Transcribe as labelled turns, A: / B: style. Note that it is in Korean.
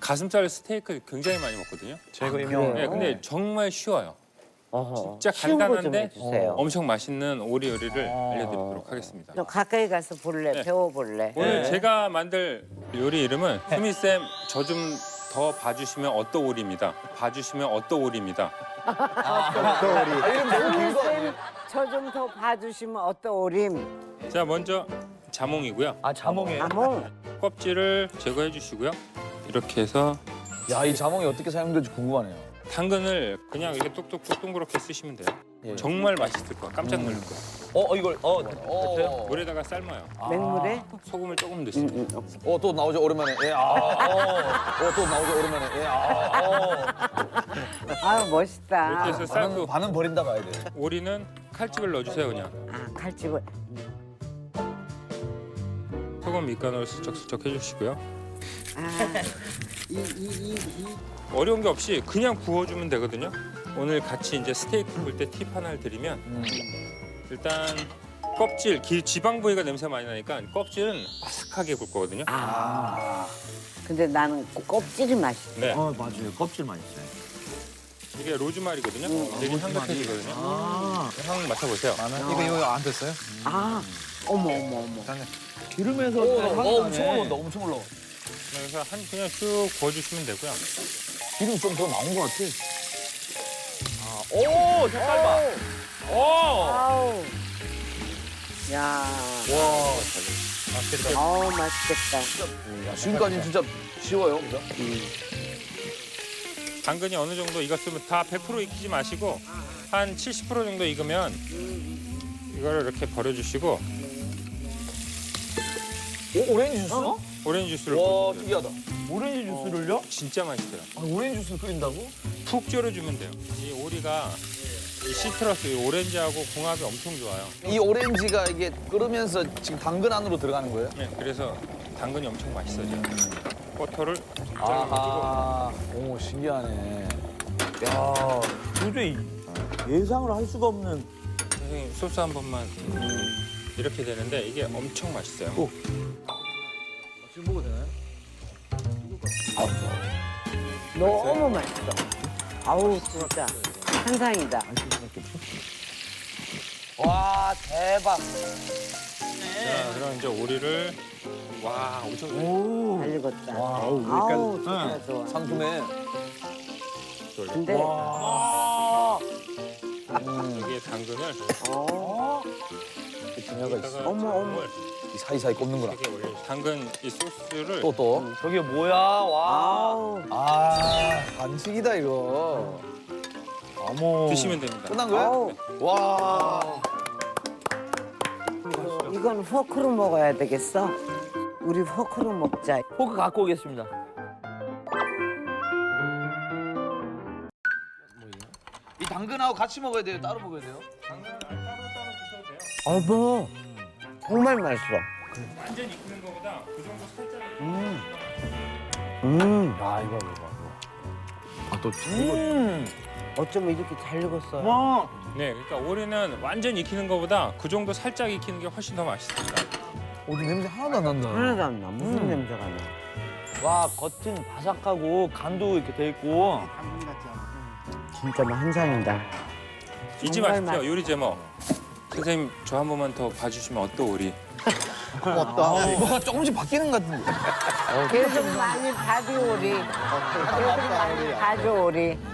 A: 가슴살 스테이크 굉장히 많이 먹거든요.
B: 제가 유명.
A: 네, 근데 정말 쉬워요.
C: 어허.
A: 진짜
C: 쉬운 거좀
A: 간단한데
C: 해주세요.
A: 엄청 맛있는 오리 요리를 알려드리도록 하겠습니다.
C: 좀 가까이 가서 볼래?
A: 네.
C: 배워볼래?
A: 오늘 제가 만들 요리 이름은 수미쌤 저 좀 더 봐주시면 어떠오리입니다. 봐주시면 어떠오리입니다.
B: 이름 너무 긴 거.
C: 저 좀 더 봐주시면 어떠오림?
A: 자, 먼저 자몽이고요.
B: 아 자몽이에요?
C: 아몽.
A: 껍질을 제거해 주시고요. 이렇게 해서
B: 야 이 자몽이 어떻게 사용될지 궁금하네요.
A: 당근을 그냥 이렇게 뚝뚝뚝 동그랗게 쓰시면 돼요.
B: 예.
A: 정말 맛있을 거야. 깜짝 놀랄 거야.
B: 이걸
A: 그래서 물에다가 삶아요.
C: 맹물에?
A: 소금을 조금 넣습니다.
B: 또 나오죠 오랜만에. 예. 또 나오죠 오랜만에. 예.
C: 아유 멋있다.
A: 이렇게 해서 삶고
B: 반은 버린다 봐야 돼.
A: 오리는 칼집을 넣어주세요 그냥.
C: 아 칼집을.
A: 소금 밑간으로 슬쩍슬쩍 해주시고요.
C: 아
A: 어려운 게 없이 그냥 구워주면 되거든요. 오늘 같이 이제 스테이크 볼 때 팁 하나를 드리면 일단 껍질, 지방 부위가 냄새 많이 나니까 껍질은 바삭하게 굴 거거든요.
C: 근데 나는 껍질이 맛있어.
A: 네,
D: 맞아요. 껍질 맛있어요.
A: 이게 로즈마리거든요. 되게 향긋해지거든요. 향 맡아보세요.
D: 이거 안 됐어요?
C: 아 어머.
D: 기름에서
B: 엄청 올라온다. 엄청 올라와.
A: 그래서 그냥 쭉 구워주시면 되고요.
B: 기름 좀 더 나온 것 같아.
D: 오, 색깔 봐. 오!
C: 아우. 야.
A: 맛있겠다.
C: 아우 맛있겠다.
B: 야, 지금까지는 진짜 쉬워요. 그죠?
A: 당근이 어느 정도 익었으면 다 100% 익히지 마시고 한 70% 정도 익으면 이거를 이렇게 버려주시고
B: 오렌지 주스?
A: 오렌지 주스를
B: 와
A: 부어주세요.
B: 특이하다.
D: 오렌지 주스를요?
A: 진짜 맛있어요.
B: 오렌지 주스 끓인다고?
A: 푹 졸여주면 돼요. 이 오리가 이 시트러스, 이 오렌지하고 궁합이 엄청 좋아요.
B: 이 오렌지가 이게 끓으면서 지금 당근 안으로 들어가는 거예요?
A: 네, 그래서 당근이 엄청 맛있어져요. 버터를
B: 아하. 오 신기하네.
D: 야, 도저히 예상을 할 수가 없는.
A: 선생님 소스 한 번만 이렇게 되는데 이게 엄청 맛있어요.
B: 지금 먹어도 되나요?
C: 너무 맛있어. 아우 진짜 환상이다.
B: 와 대박.
A: 자, 그럼 이제 오리를 와 엄청
C: 잘 익었다.
D: 아우,
C: 아우 좋아 좋아.
B: 상큼해.
C: 근데
A: 여기에 당근을
B: 분야가 있어.
A: 여기다가
C: 어머, 어머.
B: 이 사이사이 꼽는구나.
A: 이렇게 올려. 당근 이 소스를
B: 또.
D: 저게 뭐야? 와.
C: 아우
B: 아 반칙이다 이거.
D: 어머.
A: 드시면 됩니다.
B: 끝난 거야?
C: 아우
B: 와.
C: 이건 포크로 먹어야 되겠어. 우리 포크로 먹자.
D: 포크 갖고 오겠습니다.
B: 이 당근하고 같이 먹어야 돼요? 따로 먹어야 돼요?
C: 어머 정말 맛있어.
A: 완전 익히는 것보다 그 정도 살짝
D: 야, 이거.
B: 아또
C: 어쩜 이렇게 잘 익었어요.
D: 와.
A: 네, 그러니까 오리는 완전 익히는 것보다 그 정도 살짝 익히는 게 훨씬 더 맛있습니다.
B: 어디 냄새 하나도 안 난다.
C: 하나도 안 나. 무슨 냄새가 나.
D: 와, 겉은 바삭하고 간도 이렇게 돼 있고.
C: 진짜 뭐 환상이다.
A: 잊지
C: 정말
A: 마십시오. 요리 제목. 선생님 저 한 번만 더 봐주시면 어떠오리?
B: 맞다. 뭐가 조금씩 바뀌는 것 같은데.
C: 계속 많이 봐줘오리. 계속 많이 봐줘오리.